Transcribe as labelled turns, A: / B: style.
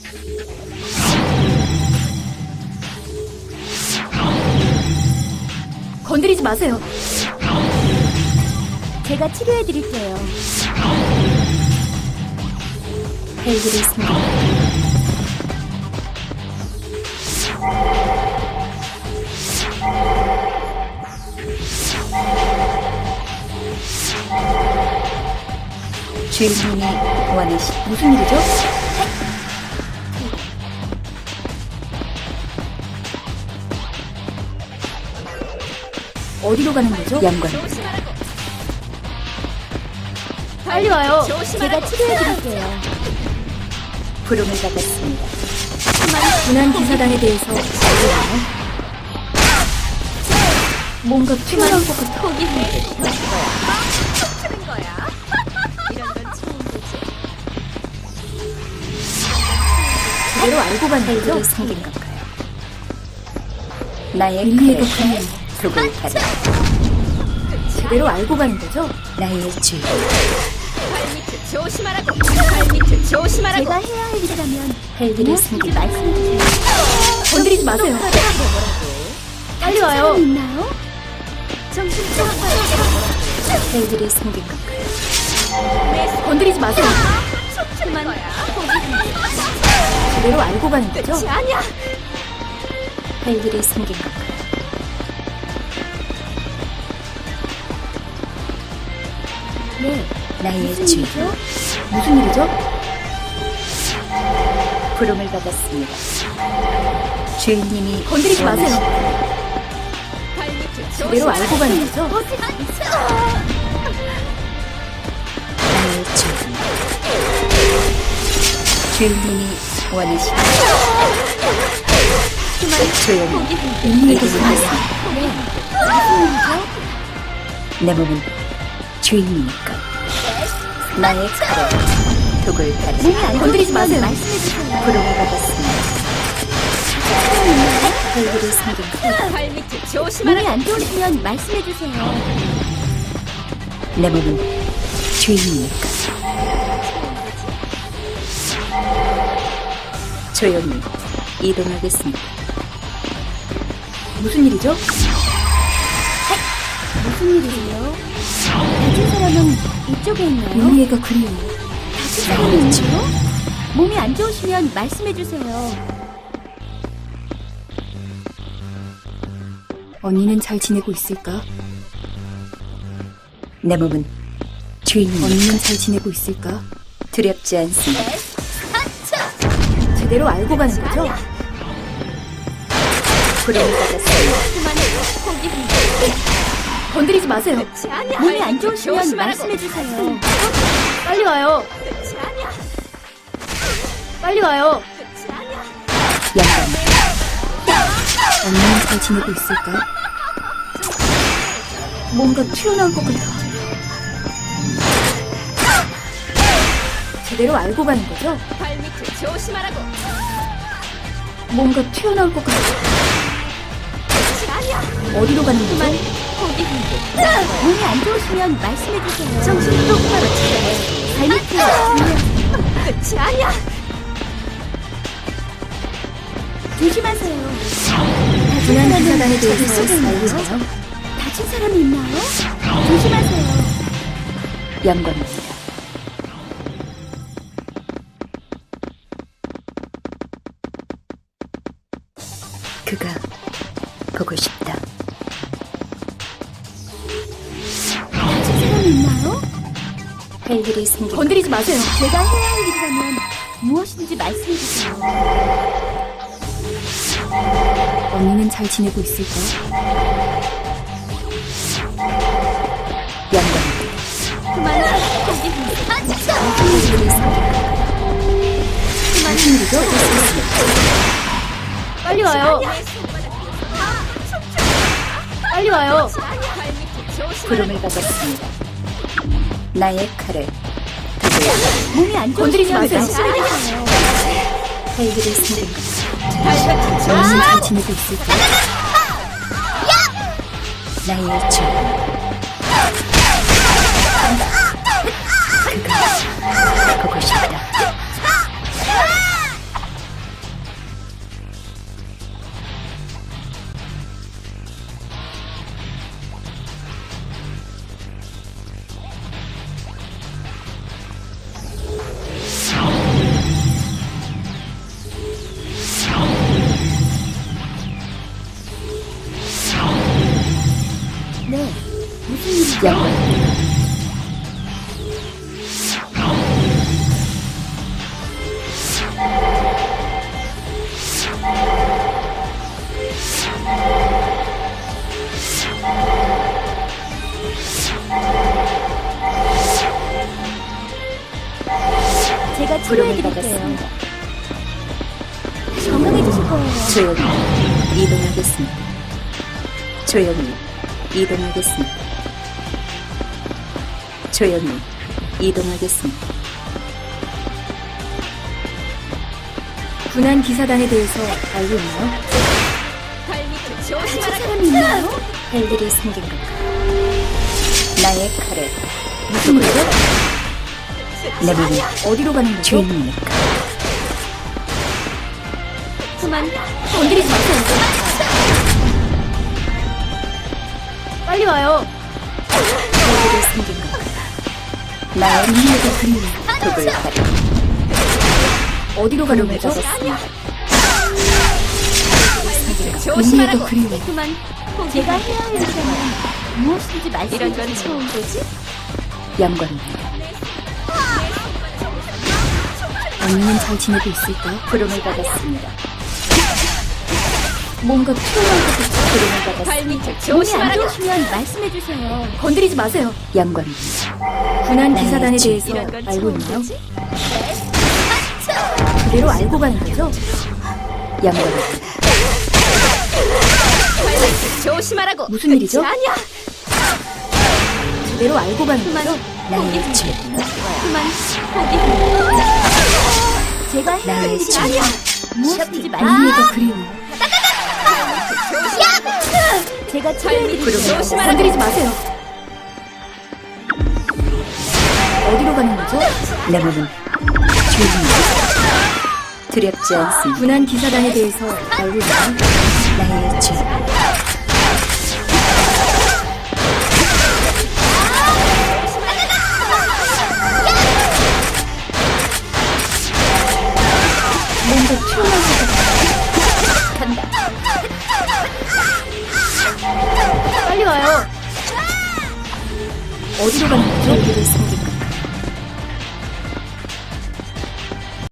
A: 건드리지 마세요.
B: 제가 치료해드릴게요.
A: 헬기를 숨겨. 주인님이 원하시 무슨 일이죠? 어디로 가는 거죠? 양관. 빨리 와요.
B: 제가 치료해드릴게요.
A: 부름을 받았습니다. 지난 기사단에 대해서 알려나요? 뭔가 튀어나올 것 같아. 제대로 알고 간 거죠? 생긴 건가요? 나의 칼을 독을 타려. 제대로 알고 가는 거죠? 나의 주.
C: 발밑을 조심하라고. 발밑을 조심하라고.
B: 제가 해야 할 일이라면
A: 헬기를 숨긴
B: 말씀해주세요.
A: 건드리지 마세요. 빨리 와요.
B: 사람 있나요?
C: 정신 좀
A: 헬기를 숨긴 건가요? 건드리지 마세요.
C: 촉촉만 거야.
A: 제대로 알고 가는 거죠?
C: 아니야.
A: 헬기를 숨긴 건가요?
B: 네.
A: 나의
B: 무슨
A: 주.
B: 일이죠?
A: 무슨 일이죠? 부름을 받았습니다. 주인님이 건드리지 마세요.
C: 발밑을
A: 제대로 알고 가는 거죠? 나의 주. 주인님이 원하시는 조용히 이해해 주세요. 내 몸은 주인이니까 나의 칼에 독을 달여 건드리지 마세요.
B: 말씀해주세요.
A: 부름을 받았습니다. 헬기를 숨긴 것.
C: 발밑을
B: 몸이
C: 조심하라고.
B: 안 좋으시면 말씀해주세요.
A: 내 몸은 주인이니까 조용히 이동하겠습니다. 무슨 일이죠?
B: 무슨 일이에요? 다친 사람은 이쪽에 있나요?
A: 이해가 그리워요.
B: 다친 사람이 있나요? 몸이 안 좋으시면 말씀해주세요.
A: 언니는 잘 지내고 있을까? 내 몸은 주인이니까 언니는 잘 지내고 있을까? 두렵지 않습니다. 제대로 알고 가는 거죠? 부름을 받았어요. 건드리지 마세요.
C: 아니야.
B: 몸이 안
C: 발밑을
B: 좋으시면
C: 조심하라고.
B: 말씀해주세요.
A: 빨리 와요.
C: 아니야.
A: 빨리 와요.
C: 아니야.
A: 양반. 언니는 잘 지내고 있을까? 뭔가 튀어나올 것 같아. 제대로 알고 가는 거죠?
C: 발밑을 조심하라고.
A: 뭔가 튀어나올 것 같아.
C: 아니야.
A: 어디로 가는 거죠?
B: 몸이 안 좋으시면 말씀해주세요.
C: 정신 똑바로 차려.
B: 발밑을
C: 끝이 아니야.
B: 조심하세요.
A: 지난 기사단에 대해서
B: 저기 속에
A: 알려줘요.
B: 다친 사람이 있나요? 조심하세요.
A: 영광입니다. 그가 보고 싶다.
B: 다친 사람이 있나요?
A: 헬기를 숨긴 건드리지 마세요.
B: 제가 해야 할 일이라면 무엇인지 말씀해주세요.
A: 언니는 잘 지내고 있을까? 영광입니다. 헬기를 숨긴 무슨 일이죠? 빨리 와요. 빨리 와요. 부름을 받았습니다. 나의 칼을
B: 몸이 안
A: 건드리지
B: 좋으시면
A: 마세요.
B: 말씀해주세요.
A: 헬기를 숨긴 언니는 잘 지내고 있을까? 나의 주. 그가 보고 싶다. 영광입니다.
B: 제가
A: 부름을
B: 치료해드릴게요.
A: 받았습니다.
B: 건강해지실 거예요.
A: 조용히 이동하겠습니다. 조용히 이동하겠습니다. 조용히 이동하겠습니다. 군한 기사단에 대해서 알고 있나요?
C: 발밑을
B: 다친
C: 조심하라고.
B: 사람이 있나요?
A: 할 일이 생긴 건가? 나의 칼에
B: 무슨 일이죠?
A: 내 몸이
B: 어디로 가는 거죠?
A: 주인입니까?
B: 그만 건드리지 마세요. 빨리 와요.
A: 할 일이 생긴 건가? 나의 능력의 그림을 독을 가려
B: 어디로 가는
A: 부름을
B: 거죠?
A: 받았습니다.
C: 발밑을 조심하라고.
A: 그림을
B: 그만 제가 해야 할 일이라면 무엇인지 말씀해
C: 이런 건
B: 주세요.
C: 처음 보지?
A: 영광입니다. 언니는 잘 지내고 있을까? 부름을 받았습니다.
B: 뭔가 필요한 것 같아요.
A: 부름을 받았습니다.
C: 발밑을
B: 몸이 안
C: 조심하라고.
B: 좋으시면 말씀해 주세요. 건드리지 마세요.
A: 영광입니다.
B: 군한
A: 나의
B: 기사단에
A: 주인.
B: 대해서
C: 이런 건
B: 알고
C: 처음
B: 있나요?
C: 보지?
B: 그대로 알고 가는 거죠?
A: 영광입니다.
C: 발밑을 조심하라고.
B: 무슨 일이죠?
C: 아니야.
B: 그대로 알고 가는
C: 그만.
B: 거죠?
A: 나의 죄,
C: 그만. 포기.
B: 제가 해야 할
A: 나의
B: 일이
A: 죄,
B: 아니야. 무엇인지 말씀해
A: 언니가 그리워.
B: 제가
C: 발밑을
B: 치료해드릴게요.
C: 조심하라고.
B: 건드리지 마세요. 어디로 가는 거죠?
A: 내 몸은 주인입니다. 두렵지 않습니다.
B: 군한 기사단에 대해서 알고 있나요?
A: 나의 죄,